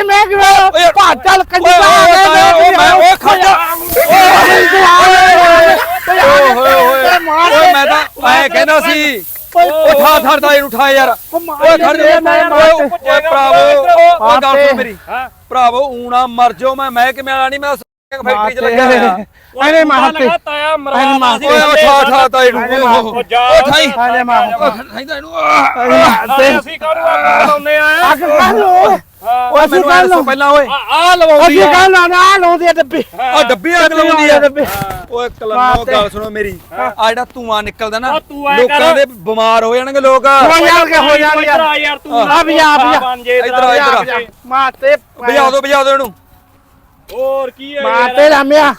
ਸਾਡੇ ਮੈਂ ਕਿਵੇਂ ਭਾਟਲ ਕੰਜਾ ਓਏ ਖੜਾ ਓਏ ਮੈਂ ਤਾਂ ਐ ਕਹਿੰਦਾ ਸੀ ਉਠਾ ਥਰਦਾ ਇਹਨੂੰ ਉਠਾ ਯਾਰ ਓਏ ਖੜ ਜਾ ਓਏ ਭਰਾਵੋ ਓ ਗੱਲ ਸੁਣ ਮੇਰੀ ਭਰਾਵੋ ਊਣਾ ਮਰ ਜਾਓ ਮੈਂ ਕਿਵੇਂ ਵਾਲਾ ਨਹੀਂ ਮੈਂ ਫੈਕਟਰੀ ਚ ਲੱਗਿਆ ਹੋਇਆ ਅਰੇ ਮਾਤੇ ਤਾਇਆ ਮਰਾ ਸੀ ਓਏ ਉਠਾ ਤਾ ਇਹਨੂੰ ਓ ਠਾਈ ਅਰੇ ਮਾਂ ਠਾਈਦਾ ਇਹਨੂੰ ਅਸੀਂ ਕਾਹਨੂੰ ਅੱਗ ਲਾਉਂਦੇ ਆ ਅੱਗ ਕਰ ਲੋ ਓਏ ਮੈਨੂੰ ਐ ਦੱਸੋ ਪਹਿਲਾਂ ਓਏ ਆ ਲਵਾਉਂਦੀ ਅਸੀਂ ਗੱਲ ਨਾ ਲਾਉਂਦੇ ਆ ਡੱਬੇ ਆ ਡੱਬੀ ਅੱਗ ਲਾਉਂਦੀ ਆ ਡੱਬੇ ਓਏ ਕਲਮੋ ਗੱਲ ਸੁਣੋ ਮੇਰੀ ਆ ਜਿਹੜਾ ਧੂਆਂ ਨਿਕਲਦਾ ਨਾ ਤੂੰ ਐਂ ਲੋਕਾਂ ਦੇ ਬਿਮਾਰ ਹੋ ਜਾਣਗੇ ਲੋਕ ਹੋ ਜਾਣਗੇ ਯਾਰ ਤੂੰ ਆ ਵੀ ਆ ਇੱਧਰ ਆ ਇੱਧਰ ਆ ਮਾਤੇ ਬਜਾ ਦਿਓ ਇਹਨੂੰ ਹੋਰ ਕੀ ਹੈ ਮਾਤੇ ਰਾਮਿਆ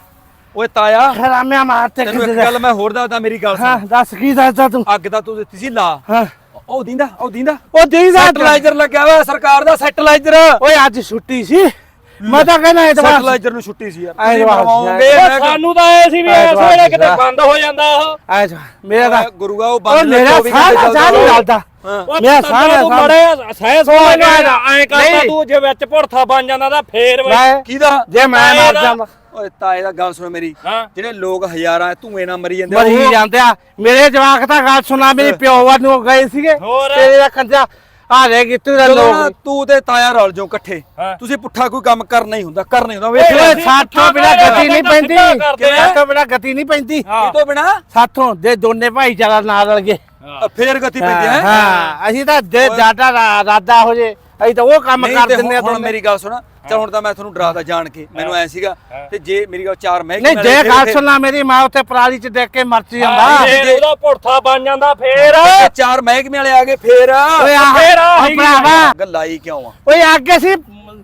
ਓਏ ਤਾਇਆ ਰਾਮਿਆ ਮਾਤੇ ਤੈਨੂੰ ਇੱਕ ਗੱਲ ਮੈਂ ਹੋਰ ਦੱਸਦਾ ਮੇਰੀ ਗੱਲ ਹਾਂ ਸੁਣ ਦੱਸ ਕੀ ਦੱਸਦਾ ਤੂੰ ਅੱਗ ਤਾਂ ਤੂੰ ਦਿੱਤੀ ਸੀ ਲਾ ਹਾਂ ਉਹ ਦਿੰਦਾ ਉਹ ਦੀਦਾ ਸੈਟਲਾਈਜ਼ਰ ਲੱਗਿਆ ਹੋਇਆ ਸਰਕਾਰ ਦਾ ਸੈਟਲਾਈਜ਼ਰ ਓਏ ਅੱਜ ਛੁੱਟੀ ਸੀ ਮੈਂ ਤਾਂ ਕਹਿੰਦਾ ਐਤਵਾਰ ਸੈਟਲਾਈਜ਼ਰ ਨੂੰ ਛੁੱਟੀ ਸੀ ਯਾਰ ਤੁਸੀਂ ਐਤਵਾਰ ਬਣਵਾਓਗੇ ਸਾਨੂੰ ਤਾਂ ਐ ਸੀ ਵੀ ਇਸ ਵੇਲੇ ਕਿਤੇ ਬੰਦ ਹੋ ਜਾਂਦਾ ਉਹ ਐਤਵਾਰ ਮੇਰਾ ਤਾਂ ਗੁਰੂਗਾ ਉਹ ਉਹ ਬੰਦ ਮੇਰਾ ਸਾਰਾ ਨਹੀਂ ਚੱਲਦਾ ਮੇਰਾ ਸਾਰਾ ਤੂੰ ਬੜੇ ਸਹਿ ਸੋਚ ਐ ਕਰਦਾ ਤੂੰ ਜੇ ਵਿੱਚ ਭੁਰਥਾ ਬਣ ਜਾਂਦਾ ਤਾਂ ਫੇਰ ਮੈਂ ਕਿਹਦਾ ਜੇ ਮੈਂ ਮਰ ਜਾਂਦਾ ਓਏ ਤਾਏ ਦਾ ਗੱਲ ਸੁਣ ਮੇਰੀ ਹਾਂ ਜਿਹੜੇ ਲੋਕ ਹਜ਼ਾਰਾਂ ਧੂਏ ਨਾਲ ਮਰੀ ਜਾਂਦੇ ਮਰੀ ਜਾਂਦੇ ਆ ਮੇਰੇ ਜਵਾਕ ਤਾਂ ਗੱਲ ਸੁਣਾ ਮੇਰੀ ਪਿਓ ਵੱਲ ਨੂੰ ਗਏ ਸੀਗੇ ਹੋਰ? ਤੇਰੇ ਦਾ ਕੰਜਾ ਆ ਰਹਿ ਗਈ ਤੂੰ ਦਾ ਜਦੋਂ ਨਾ ਲੋਕ ਤੂੰ ਤੇ ਤਾਇਆ ਰਲ ਜਾਓ ਇਕੱਠੇ ਹਾਂ। ਤੁਸੀਂ ਪੁੱਠਾ ਕੋਈ ਕੰਮ ਕਰਨਾ ਹੀ ਹੁੰਦਾ ਵੇਖ ਲੈ ਓਏ ਸਾਥੋਂ ਬਿਨਾ ਗਤੀ ਨਹੀਂ ਪੈਂਦੀ ਕਰਦੇ ਆ। ਸਾਥੋਂ ਬਿਨਾ ਗਤੀ ਨਹੀਂ ਪੈਂਦੀ ਹਾਂ। ਤੋਂ ਬਿਨਾ ਸਾਥੋਂ ਦੇ ਦੋਨੇ ਭਾਈਚਾਰਾ ਨਾਲ ਰਲ ਗਏ ਫੇਰ ਗਤੀ ਪੈਂਦੀ ਹੈ ਹਾਂ ਅਸੀਂ ਤਾਂ ਜੇ ਜ਼ਿਆਦਾ ਰਾਦਾ ਹੋ ਜੇ ਅਸੀਂ ਤਾਂ ਉਹ ਕੰਮ ਨਹੀਂ ਕਰ ਤੇ ਦਿੰਦੇ ਆ ਹੁਣ ਮੇਰੀ ਗੱਲ ਸੁਣ ਤੇ ਹੁਣ ਤਾਂ ਮੈਂ ਤੁਹਾਨੂੰ ਡਰਾਦਾ ਜਾਣ ਕੇ ਮੈਨੂੰ ਐ ਸੀਗਾ ਤੇ ਜੇ ਮੇਰੀ ਗੱਲ ਚਾਰ ਮਹਿਕਮੇ ਨਹੀਂ ਜੇ ਗੱਲ ਸੁਣਨਾ ਮੇਰੀ ਮਾਂ ਉੱਥੇ ਪਰਾਲੀ ਚ ਦੇਖ ਕੇ ਮਰਚੀ ਜਾਂਦਾ ਜੇ ਉਹਦਾ ਭੁਰਥਾ ਬਣ ਜਾਂਦਾ ਫੇਰ ਜੇ ਚਾਰ ਮਹਿਕਮੇ ਵਾਲੇ ਆ ਗਏ ਫੇਰ ਓਏ ਆਹ ਫੇਰ ਆ ਉਹ ਭਰਾਵਾ ਗੱਲਾਈ ਕਿਉਂ ਆ ਓਏ ਅੱਗੇ ਸੀ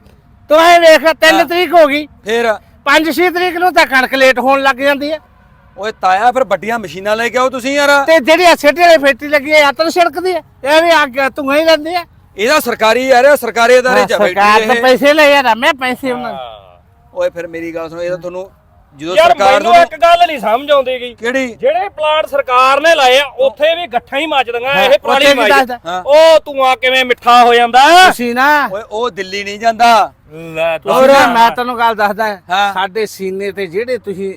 ਤੂੰ ਇਹ ਵੇਖ 3 ਤਰੀਕ ਹੋ ਗਈ ਫੇਰ 5-6 ਤਰੀਕ ਨੂੰ ਤਾਂ ਕਣਕ ਲੇਟ ਹੋਣ ਲੱਗ ਜਾਂਦੀ ਹੈ ਓਏ ਤਾਇਆ ਫਿਰ ਵੱਡੀਆਂ ਮਸ਼ੀਨਾਂ ਲੈ ਕੇ ਆਓ ਤੁਸੀਂ ਯਾਰ ਤੇ ਜਿਹੜੀ ਸਿੱਟੇ ਵਾਲੀ ਫੈਕਟਰੀ ਲੱਗੀ ਹੈ ਆਤਨ ਛਿੜਕਦੀ ਹੈ ਇਹ ਵੀ ਅੱਗ ਤੂੰ ਹੀ ਲੈਂਦੀ ਹੈ ਇਹਦਾ ਸਰਕਾਰੀ ਯਾਰ ਸਰਕਾਰੀ ਅਦਾਰੇ ਚ ਸਰਕਾਰ ਬੈਠੀ ਤਾਂ ਇਹ ਪੈਸੇ ਲੈ ਯਾਰ ਮੈਂ ਪੈਸੇ ਉਹਨਾਂ ਓਏ ਫਿਰ ਮੇਰੀ ਗੱਲ ਸੁਣੋ ਇਹ ਤਾਂ ਤੁਹਾਨੂੰ ਜਦੋਂ ਯਾਰ ਸਰਕਾਰ ਮੈਨੂੰ ਇੱਕ ਗੱਲ ਨਹੀਂ ਸਮਝ ਆਉਂਦੀ ਗਈ ਕਿਹੜੀ ਜਿਹੜੇ ਪਲਾਂਟ ਸਰਕਾਰ ਨੇ ਲਾਏ ਆ ਉੱਥੇ ਵੀ ਗੱਠਾਂ ਹੀ ਮੱਚਦੀਆਂ ਇਹ ਪਰਾਲੀ ਉੱਥੇ ਕੀ ਮਾਈ ਦੱਸਦਾ? ਉਹ ਧੂਆਂ ਕਿਵੇਂ ਮਿੱਠਾ ਹੋ ਜਾਂਦਾ ਤੁਸੀਂ ਨਾ ਓਏ ਉਹ ਦਿੱਲੀ ਨਹੀਂ ਜਾਂਦਾ ਲੈ ਹੋਰ ਮੈਂ ਤੈਨੂੰ ਗੱਲ ਦੱਸਦਾ ਹਾਂ। ਸਾਡੇ ਸੀਨੇ ਤੇ ਜਿਹੜੇ ਤੁਸੀਂ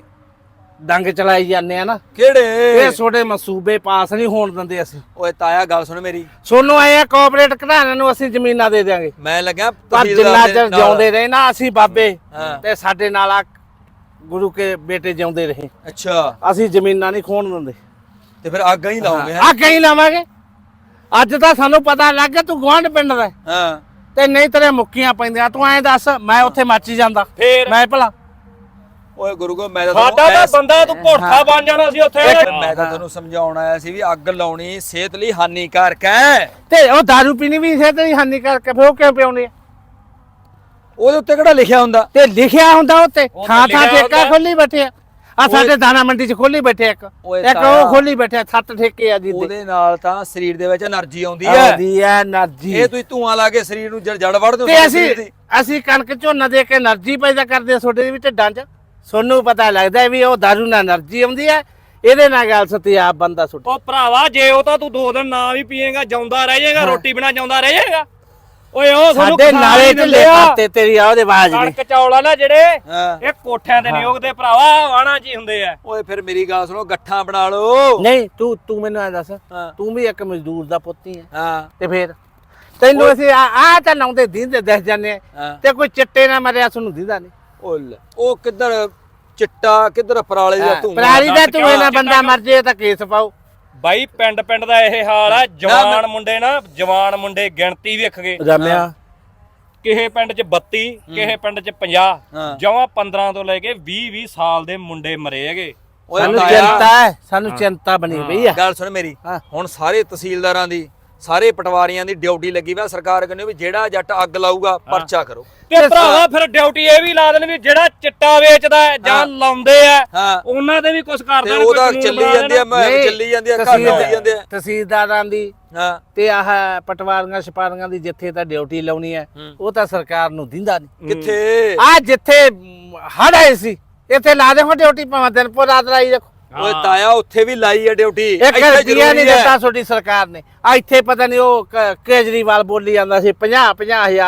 ਡੰਗ ਚਲਾਈ ਜਾਂਦੇ ਆ ਨਾ ਕਿਹੜੇ ਇਹ ਛੋਟੇ ਮਸੂਬੇ ਪਾਸ ਨਹੀਂ ਹੋਣ ਦਿੰਦੇ ਅਸੀਂ ਓਏ ਤਾਇਆ ਗੱਲ ਸੁਣ ਮੇਰੀ ਸੋਨੂੰ ਆਏ ਆ ਕੋਆਪਰੇਟ ਘਰਾਣਿਆਂ ਨੂੰ ਅਸੀਂ ਜ਼ਮੀਨਾਂ ਦੇ ਦਿਆਂਗੇ ਮੈਂ ਲੱਗਿਆ ਪਰ ਜਿੰਨਾ ਚਿਰ ਜਿਉਂਦੇ ਰਹੇ ਨਾ ਅਸੀਂ ਬਾਬੇ ਹਾਂ। ਤੇ ਸਾਡੇ ਨਾਲ ਆ ਗੁਰੂ ਕੇ ਬੇਟੇ ਜਿਉਂਦੇ ਰਹੇ ਅੱਛਾ ਅਸੀਂ ਜ਼ਮੀਨਾਂ ਨਹੀਂ ਖੋਣ ਦਿੰਦੇ ਤੇ ਫਿਰ ਅੱਗ ਹੀ ਲਾਉਂਗੇ ਆ ਕਹੀਂ ਲਾਵਾਂਗੇ ਅੱਜ ਤਾਂ ਸਾਨੂੰ ਪਤਾ ਲੱਗ ਗਿਆ ਤੂੰ ਗੁਆਂਢ ਪਿੰਡ ਦਾ ਹਾਂ ਤੇ ਨਹੀਂ ਤੇਰੇ ਮੁੱਕੀਆਂ ਪੈਂਦੀਆਂ ਤੂੰ ਐਂ ਦੱਸ ਮੈਂ ਉੱਥੇ ਮੱਚੀ ਜਾਂਦਾ ਫੇਰ ਮੈਂ ਭਲਾ ਓਏ ਗੁਰੂ ਕੋ ਮੈਂ ਤਾਂ ਸਾਡਾ ਤਾਂ ਤੁਹਾਨੂੰ ਬੰਦਾ ਤੂੰ ਭੁਰਥਾ ਬਣ ਜਾਣਾ ਸੀ ਉੱਥੇ ਮੈਂ ਤਾਂ ਤੁਹਾਨੂੰ ਸਮਝਾਉਣ ਆਇਆ ਸੀ ਵੀ ਅੱਗ ਲਾਉਣੀ ਸਿਹਤ ਲਈ ਹਾਨੀਕਾਰਕ ਹੈ ਤੇ ਉਹ ਦਾਰੂ ਪੀਣੀ ਵੀ ਸਿਹਤ ਲਈ ਹਾਨੀਕਾਰਕ ਫਿਰ ਉਹ ਕਿਉਂ ਪਿਉਣੀ ਉਹਦੇ ਉੱਤੇ ਕਿਹੜਾ ਲਿਖਿਆ ਹੁੰਦਾ ਤੇ ਲਿਖਿਆ ਹੁੰਦਾ ਉੱਤੇ ਉਹ ਥਾਂ ਥਾਂ ਲਿਖਿਆ ਠੇਕਾ ਹੁੰਦਾ। ਖੋਲੀ ਬੈਠੇ ਆ ਸਾਡੇ ਦਾਣਾ ਮੰਡੀ 'ਚ ਖੋਲੀ ਬੈਠੇ ਇੱਕ ਓਏ ਇੱਕ ਤਾਇਆ। ਉਹ ਖੋਲੀ ਬੈਠੇ 7 ਠੇਕੇ ਆ ਜੀ ਉਹਦੇ ਨਾਲ ਤਾਂ ਸਰੀਰ ਦੇ ਵਿੱਚ એનર્ਜੀ ਆਉਂਦੀ ਹੈ ਆਦੀ ਐ એનર્ਜੀ ਇਹ ਤੁਸੀਂ ਧੂਆਂ ਲਾ ਕੇ ਸਰੀਰ ਨੂੰ ਜੜ ਵੜ ਦਿਓ ਤੇ ਅਸੀਂ ਕਣਕ ਝੋਨਾ ਦੇ ਕੇ એનર્ਜੀ ਪੈਦਾ ਕਰਦੇ ਆ ਤੁਹਾਡੇ ਵੀ ਢਿੱਡਾਂ 'ਚ ਸੋਨੂੰ ਪਤਾ ਲੱਗਦਾ ਵੀ ਉਹ ਦਾਰੂ ਨਾਲ એનર્ਜੀ ਆਉਂਦੀ ਹੈ ਇਹਦੇ ਨਾਲ ਗੱਲ ਸਤੀ ਆਪ ਬੰਦਾ ਸੁੱਟ ਉਹ ਭਰਾਵਾ ਜੇ ਉਹ ਤਾਂ ਤੂੰ 2 ਦਿਨ ਨਾ ਵੀ ਪੀਏਗਾ ਜਾਉਂਦਾ ਰਹਿ ਜਾਏਗਾ ਰੋਟੀ ਬਿਨਾ ਜਾਉਂਦਾ ਰਹਿ ਜਾਏਗਾ ਓਏ ਉਹ ਤੁਹਾਨੂੰ ਸਾਡੇ ਨਾਲੇ ਢਿੱਲੇ ਕਰਤੇ ਤੇਰੀ ਆ ਉਹਦੇ ਆਵਾਜ਼ ਨੇ ਕਣਕ ਚੌਲ ਆ ਨਾ ਜਿਹੜੇ ਹਾਂ। ਇਹ ਕੋਠਿਆਂ ਤੇ ਨਹੀਂ ਉਗਦੇ ਭਰਾਵਾ ਵਾਣਾ ਜੀ ਹੁੰਦੇ ਆ ਓਏ ਫਿਰ ਮੇਰੀ ਗੱਲ ਸੁਣੋ ਗੱਠਾਂ ਬਣਾ ਲਓ ਨਹੀਂ ਤੂੰ ਮੈਨੂੰ ਐ ਦੱਸ ਹਾਂ। ਤੂੰ ਵੀ ਇੱਕ ਮਜ਼ਦੂਰ ਦਾ ਪੁੱਤ ਹੀ ਹੈ ਹਾਂ ਤੇ ਫੇਰ ਤੈਨੂੰ ਅਸੀਂ ਆ ਤਾਂ ਲਾਉਂਦੇ ਦਿੰਦੇ ਦਿਸ ਜਾਂਦੇ ਆ ਹਾਂ। ਤੇ ਕੋਈ ਚਿੱਟੇ ਨਾ ਮਰਿਆ ਸਾਨੂੰ ਦਿੰਦਾ ਨਹੀਂ ਉਹ ਕਿੱਧਰ ਚਿੱਟਾ ਕਿੱਧਰ ਪਰਾਲੇ ਦਾ ਧੂਆਂ ਪਰਾਲੀ ਦਾ ਤੂੰ ਇਹਨਾਂ ਬੰਦਾ ਮਰ ਜੇ ਤਾਂ ਕੇਸ ਪਾਓ ਬਾਈ ਪਿੰਡ ਦਾ ਇਹ ਹਾਲ ਆ ਜਵਾਨ ਮੁੰਡੇ ਨਾ ਜਵਾਨ ਮੁੰਡੇ ਗਿਣਤੀ ਵੇਖ ਗਏ ਜੰਮਿਆ ਕਿਸੇ ਪਿੰਡ 'ਚ 32 ਕਿਸੇ ਪਿੰਡ 'ਚ 50 ਹਾਂ। ਜਮਾਂ 15 ਤੋਂ ਲੈ ਕੇ 20 ਸਾਲ ਦੇ ਮੁੰਡੇ ਮਰੇ ਹੈਗੇ ਓਏ ਸਾਨੂੰ ਤਾਇਆ, ਚਿੰਤਾ ਹੈ ਸਾਨੂੰ ਚਿੰਤਾ ਬਣੀ ਪਈ ਆ ਗੱਲ ਸੁਣ ਮੇਰੀ ਹਾਂ। ਹੁਣ ਸਾਰੇ ਤਹਿਸੀਲਦਾਰਾਂ ਦੀ ਸਾਰੇ ਪਟਵਾਰੀਆਂ ਦੀ ਡਿਊਟੀ ਲੱਗੀ ਵਾ ਸਰਕਾਰ ਕਹਿੰਦੀ ਵੀ ਜਿਹੜਾ ਜੱਟ ਅੱਗ ਲਾਊਗਾ ਪਰਚਾ ਕਰੋ ਤੇ ਭਰਾਵਾ ਫਿਰ ਡਿਊਟੀ ਇਹ ਵੀ ਲਾ ਦੇਣ ਵੀ ਜਿਹੜਾ ਚਿੱਟਾ ਵੇਚਦਾ ਹੈ ਜਾਂ ਲਾਉਂਦੇ ਆ ਹਾਂ ਉਹਨਾਂ ਦੇ ਵੀ ਕੁਝ ਕਰ ਤੇ ਦੇਣ ਉਹ ਕੋਈ ਤਾਂ ਕਾਨੂੰਨ ਚੱਲੀ ਬਣਾ ਜਾਂਦੀ ਆ ਦੇਣ। ਚੱਲੀ ਜਾਂਦੀ ਆ ਘਰ ਚੱਲੀ ਜਾਂਦੇ ਆ ਤਹਿਸੀਲਦਾਰਾਂ ਦੀ ਹਾਂ ਤੇ ਆਹ ਪਟਵਾਰੀਆਂ ਛਪਾਰੀਆਂ ਦੀ ਜਿੱਥੇ ਤਾਂ ਡਿਊਟੀ ਲਾਉਣੀ ਹੈ ਉਹ ਤਾਂ ਸਰਕਾਰ ਨੂੰ ਦਿੰਦਾ ਨਹੀਂ ਕਿੱਥੇ ਆ ਜਿੱਥੇ ਹੜ ਆਏ ਸੀ ਇੱਥੇ ਲਾ ਦੇਖੋ ਡਿਊਟੀ ਭਾਵੇਂ ਦਿਨ ਪੂਰ ਰਾਤ ਲਾਈ ਰੱਖੋ ਓਏ ਤਾਇਆ ਉੱਥੇ ਵੀ ਲਾਈ ਆ ਡਿਊਟੀ ਇੱਕ ਰੁਪਈਆ ਨਹੀਂ ਦਿੱਤਾ ਤੁਹਾਡੀ ਸਰਕਾਰ ਨੇ ਆ ਇੱਥੇ ਪਤਾ ਨਹੀਂ ਉਹ ਕੇਜਰੀਵਾਲ ਬੋਲੀ ਜਾਂਦਾ ਸੀ 50,000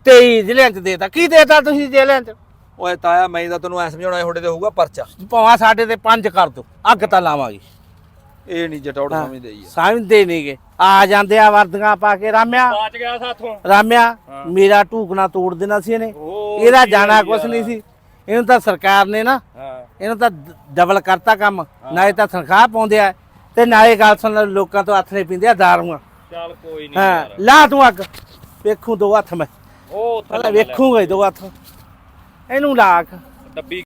23 ਜ਼ਿਲ੍ਹਿਆਂ 'ਚ ਦੇਤਾ। ਕੀ ਦੇਤਾ ਤੁਸੀਂ ਜ਼ਿਲ੍ਹਿਆਂ 'ਚ? ਓਏ ਤਾਇਆ ਮੈਂ ਤਾਂ ਤੈਨੂੰ ਐ ਸਮਝਾਉਣਾ ਤੁਹਾਡੇ ਤੇ ਹੋਊਗਾ ਪਰਚਾ। ਭਾਵੇਂ ਸਾਡੇ ਤੇ 5 ਕਰ ਦੋ, ਅੱਗ ਤਾਂ ਲਾਵਾਂਗੇ। ਇਹ ਨਹੀਂ ਜਟੌੜ ਸਮਝਦੇ ਹੀ ਆ। ਸਮਝਦੇ ਨਹੀਂਗੇ। ਆ ਜਾਂਦੇ ਆ ਵਰਦੀਆਂ ਪਾ ਕੇ। ਰਾਮਿਆ ਬਾਚ ਗਿਆ ਸਾਥੋਂ। ਰਾਮਿਆ ਮੇਰਾ ਢੂਕਣਾ ਤੋੜ ਦੇਣਾ ਸੀ ਇਹਨੇ। ਉਹ ਇਹਦਾ ਜਾਣਾ ਕੁਛ ਨਹੀਂ ਸੀ। ਇਹਨੂੰ ਤਾਂ ਸਰਕਾਰ ਨੇ ਨਾ ਹਾਂ ਇਹਨੂੰ ਤਾਂ ਡਬਲ ਕਰਤਾ ਕੰਮ। ਨਾਲੇ ਤਾਂ ਤਨਖਾਹ ਪਾਉਂਦੇ ਆ ਤੇ ਨਾਲੇ ਗੱਲ ਸੁਣ ਲਓ, ਲੋਕਾਂ ਤੋਂ ਹੱਥ ਨਹੀਂ ਪੀਂਦੇ ਆ ਦਾਰੂਆਂ। ਚੱਲ ਕੋਈ ਨਹੀਂ ਹਾਂ ਯਾਰ। ਲਾ ਤੂੰ ਅੱਗ। ਵੇਖੂ ਦੋ ਹੱਥ ਮੈਂ ਉਹ ਉੱਥੇ ਪਹਿਲਾਂ ਵੇਖੂਗਾ ਦੋ ਹੱਥ। ਇਹਨੂੰ ਲਾ ਅੱਗ। ਡੱਬੀ